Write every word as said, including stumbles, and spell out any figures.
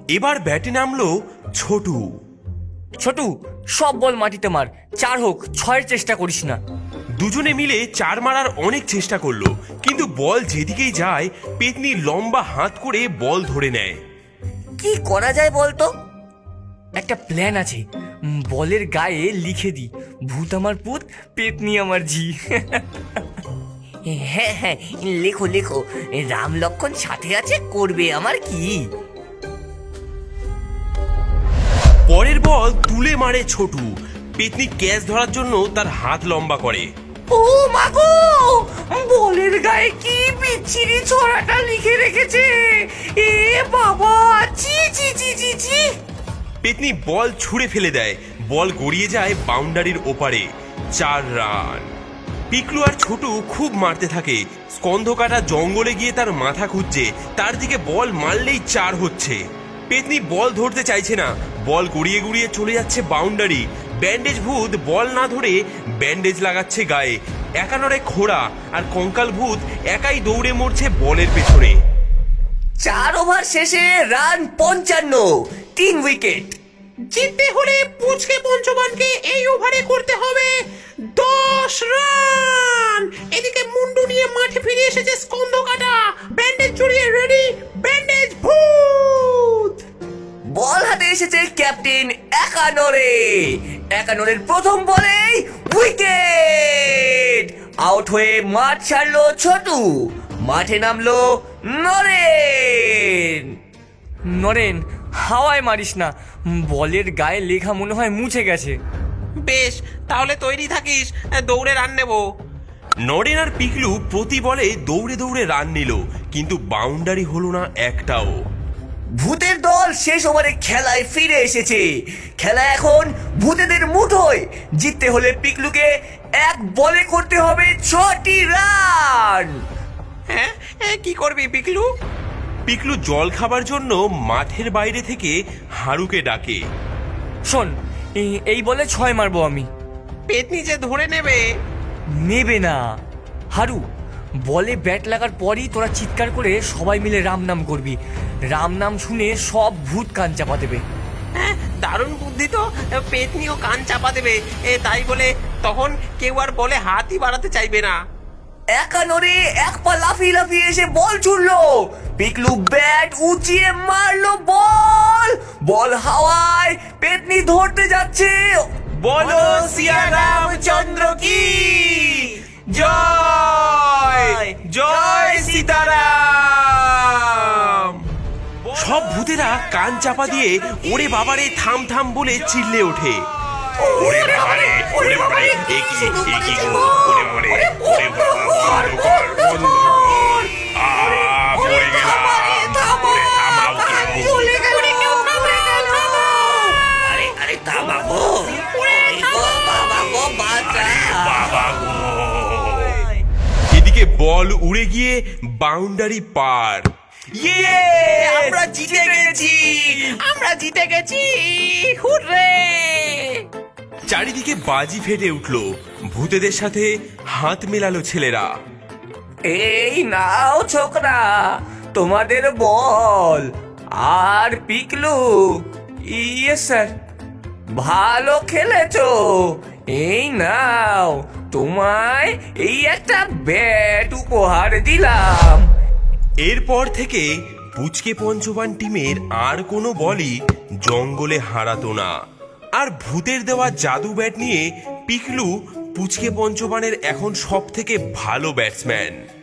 এবার ব্যাটে নামলো ছোটু। ছোটু, সব বল মাটিতে মার, চার হোক ছয়ের চেষ্টা করিস না। দুজনে মিলে চার মারার অনেক চেষ্টা করলো, কিন্তু বল যেদিকেই যায় পেতনি লম্বা হাত করে বল ধরে নেয়। কি করা যায় বলতো? একটা প্ল্যান আছে, উম, বলের গায়ে লিখে দি, ভূত আমার পুত, পেতনি আমার ঝি। হ্যাঁ হ্যাঁ, লেখো লেখো, রাম লক্ষণ সাথে আছে, করবে আমার কি। পরের বল তুলে মারে ছোটু। পেতনি ক্যাচ ধরার জন্য তার হাত লম্বা করে। ও মাগো, বলের গায়ে কি বিচ্ছিরি ছড়াটা লিখে রেখেছে, এ বাবা, জি জি জি জি জি। পেতনি বল ছুঁড়ে ফেলে দেয়, বল গড়িয়ে যায় বাউন্ডারির ওপারে। চার রান। পিকলু আর ছোটু খুব মারতে থাকে। স্কন্ধ কাটা জঙ্গলে গিয়ে তার মাথা খুঁজছে, তার দিকে বল মারলেই চার হচ্ছে। পেতনি বল ধরতে চাইছে না, বল গড়িয়ে গড়িয়ে চলে যাচ্ছে বাউন্ডারি। ব্যান্ডেজ ভূত বল না ধরে ব্যান্ডেজ লাগাচ্ছে গায়ে। একানরে খোড়া আর কঙ্কাল ভূত একাই দৌড়ে মরছে বলের পেছনে। চার ওভার শেষে রান পঞ্চান্ন, তিন উইকেট। জিততে হলে পুচকে পঞ্চবানকে এই ওভারে করতে হবে দশ রান। এদিকে মুন্ডু নিয়ে মাঠে ফিরে এসেছে স্কন্ধ কাটা, ব্যান্ডেজ জড়িয়ে রেডি ব্যান্ডেজ ভূত। বল হাতে এসেছে ক্যাপ্টেন একানরে। একানরের প্রথম বলেই উইকেট। আউট হয়ে মাঠ ছাড়লো ছোটু, মাঠে নামলো নরেন। নরেন, হাওয়ায় মারিস না, বলের গায়ে লেখা মনে হয় মুছে গেছে। বেশ, তাহলে তৈরি থাকিস, দৌড়ে রান নেবো। নরেন আর পিকলু প্রতি বলে দৌড়ে দৌড়ে রান নিল, কিন্তু বাউন্ডারি হলো না একটাও। ভূতের দল শেষ ওভারে খেলায় ফিরে এসেছে। খেলা এখন ভূতেদের মুঠোয়। জিততে হলে পিকলুকে এক বলে করতে হবে ছটি রান। হ্যাঁ, কি করবি পিকলু? পিকলু জল খাবার জন্য মাঠের বাইরে থেকে হারুকে ডাকে। শোন, এই- এই বলে ছয় মারবো আমি। পেতনি যে ধরে নেবে। নেবে না হারু, বলে ব্যাট লাগার পরই তোরা চিৎকার করে সবাই মিলে রাম নাম করবি। রাম নাম শুনে সব ভূত কান চাপা দেবে। হ্যাঁ, দারুণ বুদ্ধি তো। পেতনিও কান চাপা দেবে, এ তাই বলে তখন কেউ আর বলে হাতই বাড়াতে চাইবে না। একানরে এক পা লাফিয়ে লাফিয়ে এসে বল ছুড়লো। পিকলু ব্যাট উঁচিয়ে মারলো, বল বল হাওয়ায়, পেতনি ধরতে যাচ্ছে। বলো সিয়া রামচন্দ্র কি জয়, জয় সীতারাম। সব ভূতেরা কান চাপা দিয়ে ওরে বাবারে থাম থাম বলে চিল্লে ওঠে। ওরে বাবারে, ওরে বাবারে, এ কি, এ কি গো, ওরে বাবারে, ওরে বাবা, বন্ধ কর, বন্ধ কর। আ, পড়ে গেলাম। ওরে থামাও কেউ। আরে আরে থামাবো, বাবা গো বাঁচা। বাবা গো। এদিকে বল উড়ে গিয়ে বাউন্ডারি পার। ইয়ে, আমরা জিতে গেছি, আমরা জিতে গেছি, হুররে। চারিদিকে বাজি ফেটে উঠলো। ভূতেদের সাথে হাত মেলালো ছেলেরা। এই নাও ছোকরা, তোমাদের বল। আর পিকলু, ইয়ে স্যার, ভালো খেলেছো। এই নাও, তোমায় এই একটা ব্যাট উপহার দিলাম। এরপর থেকে পুচকে পঞ্চবান টিমের আর কোনো বলই জঙ্গলে হারাতো না। আর ভূতের দেওয়া জাদু ব্যাট নিয়ে পিকলু পুচকে পঞ্চবানের এখন সব থেকে ভালো ব্যাটসম্যান।